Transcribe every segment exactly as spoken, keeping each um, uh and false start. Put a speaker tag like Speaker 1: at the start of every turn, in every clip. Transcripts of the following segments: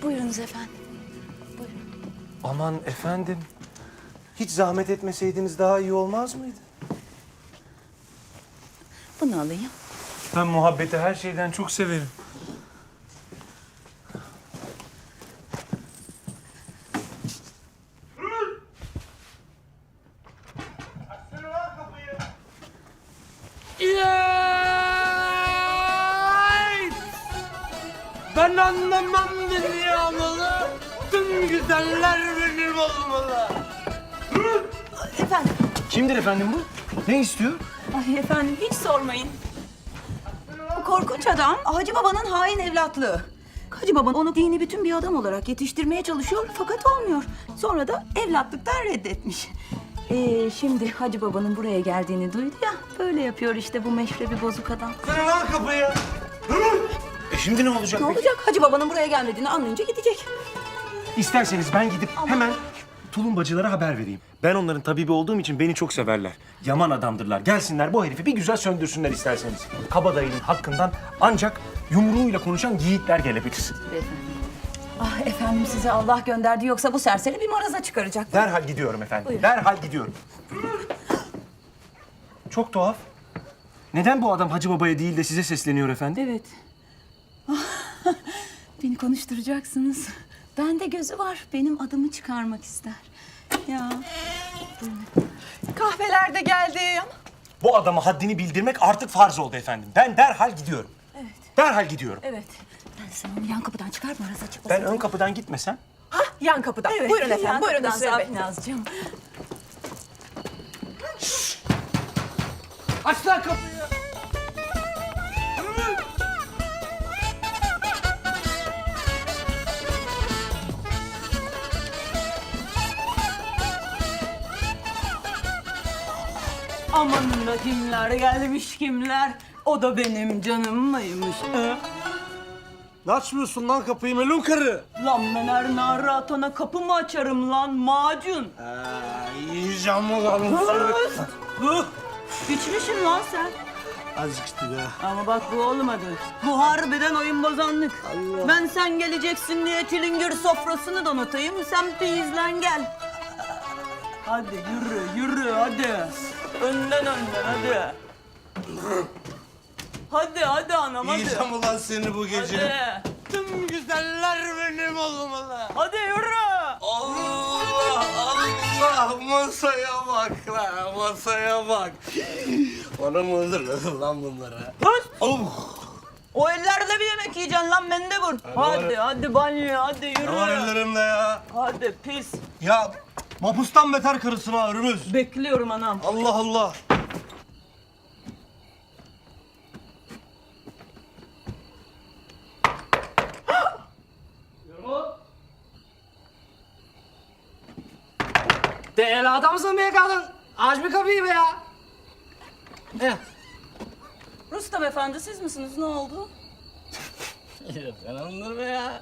Speaker 1: Buyurunuz efendim. Buyurun.
Speaker 2: Aman efendim. Hiç zahmet etmeseydiniz daha iyi olmaz mıydı?
Speaker 1: Bunu alayım.
Speaker 2: Ben muhabbeti her şeyden çok severim.
Speaker 3: Ben anlamam dünyamalı, tüm güzeller benim olmalı.
Speaker 1: Efendim.
Speaker 2: Kimdir efendim bu? Ne istiyor?
Speaker 1: Ay efendim hiç sormayın. Bu korkunç adam Hacı Baba'nın hain evlatlığı. Hacı Baba onu dini bütün bir adam olarak yetiştirmeye çalışıyor fakat olmuyor. Sonra da evlatlıktan reddetmiş. Ee, şimdi Hacı Baba'nın buraya geldiğini duydu ya. Böyle yapıyor işte bu meşrebi bozuk adam.
Speaker 3: Kırın lan kapıyı.
Speaker 2: E şimdi ne olacak
Speaker 1: Ne
Speaker 2: peki?
Speaker 1: olacak? Hacı Baba'nın buraya gelmediğini anlayınca gidecek.
Speaker 2: İsterseniz ben gidip hemen tulumbacılara haber vereyim. Ben onların tabibi olduğum için beni çok severler. Yaman adamdırlar. Gelsinler bu herifi bir güzel söndürsünler isterseniz. Kabadayının hakkından ancak yumruğuyla konuşan yiğitler gelebilir.
Speaker 1: Ah efendim size Allah gönderdi yoksa bu serseri bir maraza çıkaracak.
Speaker 2: Derhal gidiyorum efendim.
Speaker 1: Buyurun.
Speaker 2: Derhal gidiyorum. Çok tuhaf. Neden bu adam Hacı Baba'ya değil de size sesleniyor efendim?
Speaker 1: Evet. Ah, beni konuşturacaksınız. Bende gözü var. Benim adımı çıkarmak ister. Ya.
Speaker 4: Kahveler de geldi.
Speaker 2: Bu adama haddini bildirmek artık farz oldu efendim. Ben derhal gidiyorum.
Speaker 1: Evet.
Speaker 2: Derhal gidiyorum.
Speaker 1: Evet. Ben sen onu yan kapıdan çıkar maraza çıkmasın.
Speaker 2: Ben ön kapıdan gitmesem
Speaker 4: Hah, yan kapıdan.
Speaker 1: Evet.
Speaker 4: Buyurun efendim,
Speaker 1: yan
Speaker 4: buyurun
Speaker 1: kapıdan
Speaker 4: Hüseyin Bey.
Speaker 1: Safinazcığım.
Speaker 3: Aç lan kapıyı.
Speaker 1: Amanın da kimler gelmiş kimler. O da benim canım mıymış? He?
Speaker 3: Ne açmıyorsun lan kapıyı melun karı?
Speaker 1: Lan ben her nara atana kapı mı açarım lan macun?
Speaker 3: Ee, yiyeceğim mi lan seni?
Speaker 1: İçmişsin lan sen.
Speaker 3: Azıcık işte be.
Speaker 1: Ama bak bu olmadı. Bu harbiden oyun bozanlık. Ben sen geleceksin diye çilingir sofrasını donatayım. Sen peyizlen gel. Hadi yürü yürü hadi. Önden önden hadi. Hadi hadi anam hadi.
Speaker 3: Yiyeceğim ulan seni bu gece.
Speaker 1: Hadi.
Speaker 3: Tüm güzeller benim olmalı.
Speaker 1: Hadi yürü.
Speaker 3: Allah Allah masaya bak lan masaya bak. Bana mı öldürdün lan bunları?
Speaker 1: Hız.
Speaker 3: Oh.
Speaker 1: O ellerle bir yemek yiyeceksin lan mendebur. Hadi hadi banyo hadi yürü.
Speaker 3: Ne var ellerimde ya?
Speaker 1: Hadi pis.
Speaker 3: Ya mapustan beter karısın ha Ürümüz.
Speaker 1: Bekliyorum anam.
Speaker 3: Allah Allah.
Speaker 5: Değerli adamsın be kadın. Aç bir kapıyı be ya. Eh.
Speaker 1: Rustam efendi siz misiniz? Ne oldu?
Speaker 5: Beğenmedin be ya.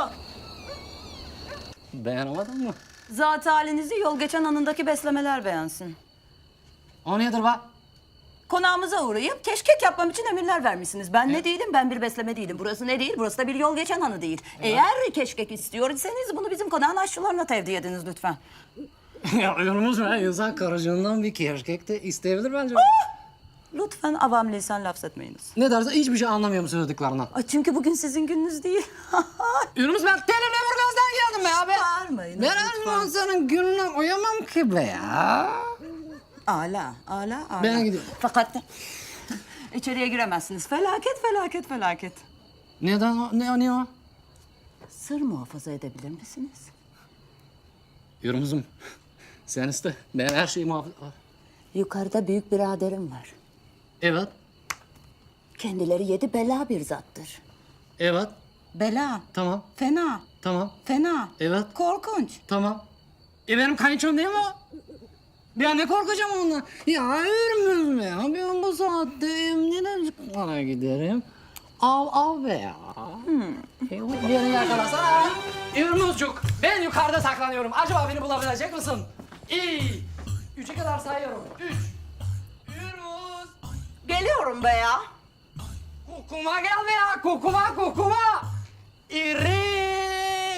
Speaker 5: Beğenemedin mi?
Speaker 1: Zat halinizi yol geçen anındaki beslemeler beğensin.
Speaker 5: O nedir be?
Speaker 1: Konağımıza uğrayıp keşkek yapmam için emirler vermişsiniz. Ben ne değilim? Ben bir besleme değilim. Burası ne değil? Burası da bir yol geçen hanı değil. Eğer keşkek istiyorsanız bunu bizim konağın aşçılarına tevdi ediniz lütfen.
Speaker 5: Ya yolumuz be. İnsan karıcığından bir keşkek de isteyebilir bence.
Speaker 1: Lütfen avam lisan laf etmeyiniz.
Speaker 5: Ne derse hiçbir şey anlamıyorum söylediklerinden.
Speaker 1: Ay çünkü bugün sizin gününüz değil.
Speaker 5: Yunus ben telimle Burgaz'dan geldim be abi.
Speaker 1: Bağırmayın
Speaker 5: Ben her zaman senin gününe uyamam ki be ya.
Speaker 1: Ala, ala, ala.
Speaker 5: Ben gidiyorum.
Speaker 1: Fakat içeriye giremezsiniz. Felaket, felaket, felaket.
Speaker 5: Neden o? Ne o? Ne o?
Speaker 1: Sır muhafaza edebilir misiniz?
Speaker 5: Yunus'um sen iste. Ben her şeyi muhafaza...
Speaker 1: Yukarıda büyük biraderim var.
Speaker 5: Evet.
Speaker 1: Kendileri yedi bela bir zattır.
Speaker 5: Evet.
Speaker 1: Bela,
Speaker 5: Tamam.
Speaker 1: fena,
Speaker 5: Tamam.
Speaker 1: fena,
Speaker 5: Evet.
Speaker 1: korkunç.
Speaker 5: Tamam. E benim kayınçom değil mi o? Ben ne korkacağım ondan? Ya Ürmüz mü ya? Ben bu saatte emniyete çıkmaya giderim. Av av be ya. Hmm. Beni yakalasana. Ürmüzcük, ben yukarıda saklanıyorum. Acaba beni bulabilecek misin? İyi. Üçe kadar sayıyorum. Üç. Ürmüz.
Speaker 1: Geliyorum be ya.
Speaker 5: Kokuma gel be ya. Kokuma kokuma. İri.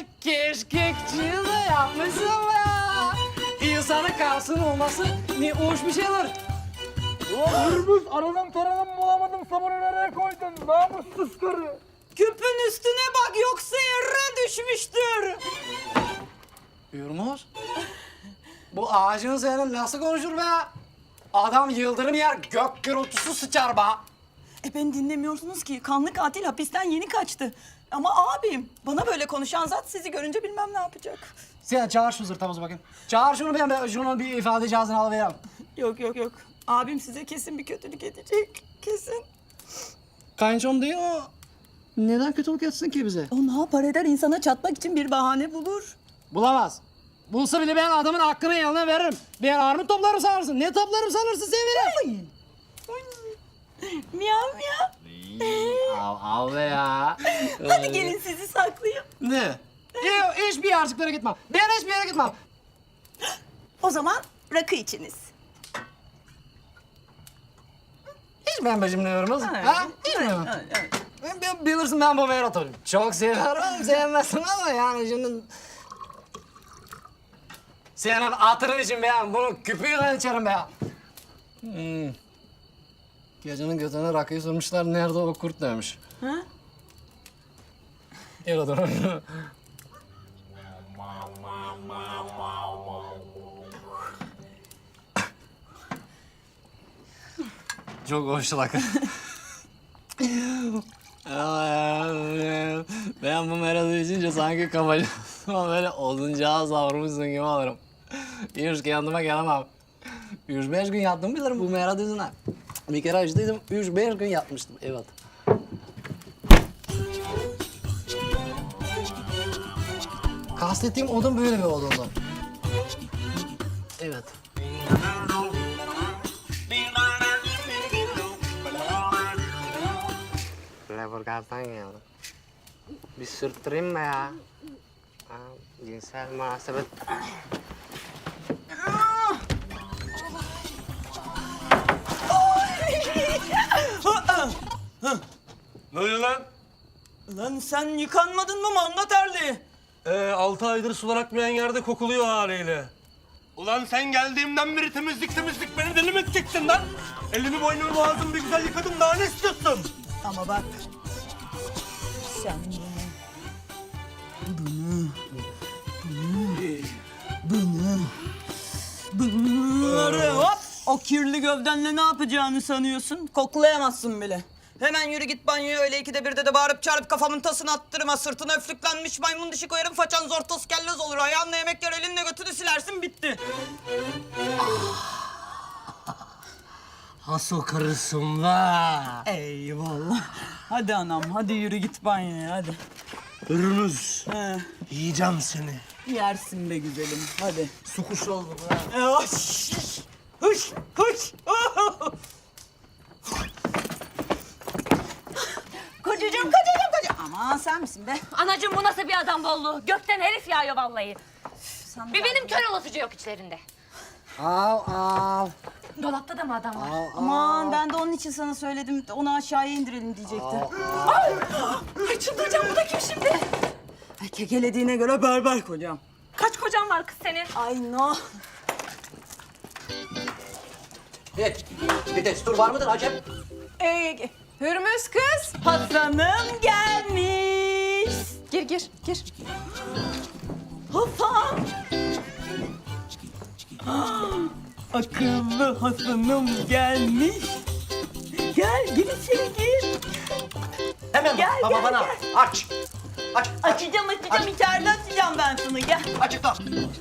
Speaker 5: yasının olması ne hoş bir şeyler.
Speaker 3: Hırbız aradım taradım bulamadım sabunu nereye koydun? Namussuz karı.
Speaker 1: Küpün üstüne bak yoksa yere düşmüştür.
Speaker 5: Yürümüz. Bu ağacın senin nasıl konuşur be? Adam yıldırım yer, gök gürültüsü sıçar be.
Speaker 1: E beni dinlemiyorsunuz ki. Kanlı katil hapisten yeni kaçtı. Ama abim bana böyle konuşan zat sizi görünce bilmem ne yapacak.
Speaker 5: Sen çağır şu zırtamızı bakayım. Çağır şunu ben, ben şunun bir ifade cihazını alıvereyim.
Speaker 1: Yok yok yok. Abim size kesin bir kötülük edecek. Kesin.
Speaker 5: Kayınçom değil o. Neden kötülük etsin ki bize?
Speaker 1: O ne yapar eder insana çatmak için bir bahane bulur.
Speaker 5: Bulamaz. Bulsa bile ben adamın hakkını eline veririm. Ben armut toplarım sanırsın. Ne toplarım sanırsın sen veririm.
Speaker 1: Miyav miyav.
Speaker 5: Av, av be ya.
Speaker 1: Hadi gelin sizi saklayayım.
Speaker 5: Ne? Yok, hiçbir yerciklara gitmem. Ben hiçbir yere gitmem.
Speaker 1: O zaman rakı içiniz.
Speaker 5: Hiç ben becimliyorum.
Speaker 1: Evet,
Speaker 5: Ha? Hiç mi?
Speaker 1: evet, evet.
Speaker 5: Ben, ben bilirsin ben bu Meyrat'ı. Çok severim, sevmezsin ama yani şimdi... Senin hatırın için ben bunu küpüyle içerim be. Hmm. Gecenin götüne rakıyı sormuşlar, nerede o kurt demiş.
Speaker 1: Ha?
Speaker 5: Öyle dur. Çok hoş rakı. Ben bu meradı içince sanki kafacığım böyle oduncağa savrulmuşsun gibi olurum. Üç kendime gelemem. Üç beş gün yattım bilirim bu meradı yüzünden. Bir kere açtıydım, üç beş gün yatmıştım, evet. Kastettiğim odun böyle bir odundu. Evet. Leburgaz'dan geldim. Bir sürttüreyim mi ya? Ha, cinsel münasebet.
Speaker 3: Ne oluyor lan?
Speaker 1: Lan sen yıkanmadın mı manda terli?
Speaker 3: Ee, altı aydır sular akmayan yerde kokuluyor haliyle. Ulan sen geldiğimden beri temizlik temizlik beni deli mi edeceksin lan? Elimi boynumu boğazımı bir güzel yıkadım daha ne istiyorsun?
Speaker 1: Ama bak. Sen bunu... Bunu... Bunu... Bunları hop! O kirli gövdenle ne yapacağını sanıyorsun? Koklayamazsın bile. Hemen yürü git banyoya öyle ikide birde de bağırıp çağırıp kafamın tasını attırma. Sırtına öflüklenmiş maymun dişi koyarım façan zor toz kellez olur. Ayağınla yemek yer elinle götünü silersin bitti.
Speaker 3: Hasıl karısın la.
Speaker 1: Eyvallah. Hadi anam hadi yürü git banyoya hadi.
Speaker 3: Hırmız.
Speaker 1: He,
Speaker 3: Yiyeceğim seni.
Speaker 1: yersin be güzelim hadi.
Speaker 3: Su kuşu oldum ha.
Speaker 1: E, Hoş! Hoş! Hoş! Kocacığım, kocacığım, kocacığım. Aman sen misin be?
Speaker 6: Anacığım bu nasıl bir adam bolluğu? Gökten herif yağıyor vallahi.
Speaker 1: Sen
Speaker 6: Bir benim kör olasıcı yok içlerinde.
Speaker 5: Av av.
Speaker 6: Dolapta da mı adam var?
Speaker 1: Aman ben de onun için sana söyledim. Onu aşağıya indirelim diyecekti.
Speaker 6: Ay çıldıracağım, bu da kim şimdi?
Speaker 1: Ay kekelediğine göre berber kocam.
Speaker 6: Kaç kocan var kız senin?
Speaker 1: Ay no.
Speaker 7: Evet. Bir destur var mıdır Acem?
Speaker 1: Ee,
Speaker 4: Hürmüz kız.
Speaker 1: Hasan'ım gelmiş.
Speaker 4: Gir gir gir.
Speaker 1: Hasan. Ah, akıllı Hasan'ım gelmiş. Gel, gir içeri gir.
Speaker 7: Hemen
Speaker 1: Gel,
Speaker 7: baba
Speaker 1: gel,
Speaker 7: bana
Speaker 1: gel.
Speaker 7: aç. Aç.
Speaker 1: Açacağım, açacağım. İçeride açacağım ben sana. Gel.
Speaker 7: Açıkla.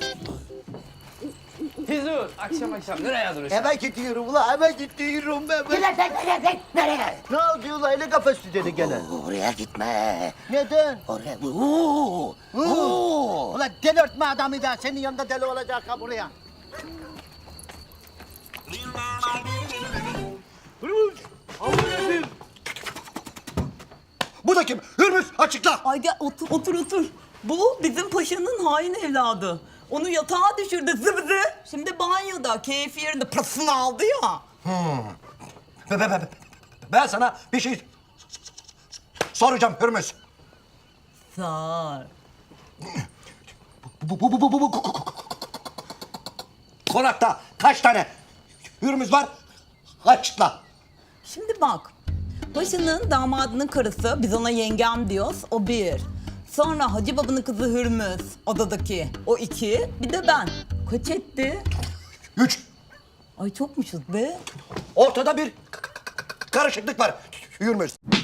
Speaker 5: Hizur, akşam akşam nereye duruyorsun?
Speaker 8: Hemen gidiyorum ulan, hemen gidiyorum ben. ben.
Speaker 7: Nereye nereye nereye?
Speaker 8: Ne oldu ulan, öyle kafası dedi gene.
Speaker 7: Oraya gitme.
Speaker 8: Neden?
Speaker 7: Oraya. Oo. Oo.
Speaker 8: Ulan delirtme adamı da, senin yanında deli olacak ha buraya.
Speaker 7: Bu da kim? Hürmüz açıkla.
Speaker 1: Ay gel otur, otur, otur. Bu bizim paşanın hain evladı. Onu yatağa düşürdü zıbızı. Şimdi banyoda, keyfi yerinde pırasını aldı ya.
Speaker 7: Be, be, be, be. Ben sana bir şey soracağım Hürmüz.
Speaker 1: Sağ ol.
Speaker 7: Bu, bu, bu, bu, bu, bu. konakta kaç tane hürmüz var? Açıkla.
Speaker 1: Şimdi bak. Paşa'nın damadının karısı, biz ona yengem diyoruz, o bir. Sonra Hacı Baba'nın kızı Hürmüz, odadaki, o iki. Bir de ben. Kaç etti?
Speaker 7: Üç.
Speaker 1: Ay çokmuşuz be.
Speaker 7: Ortada bir k- k- k- karışıklık var. Hürmüz.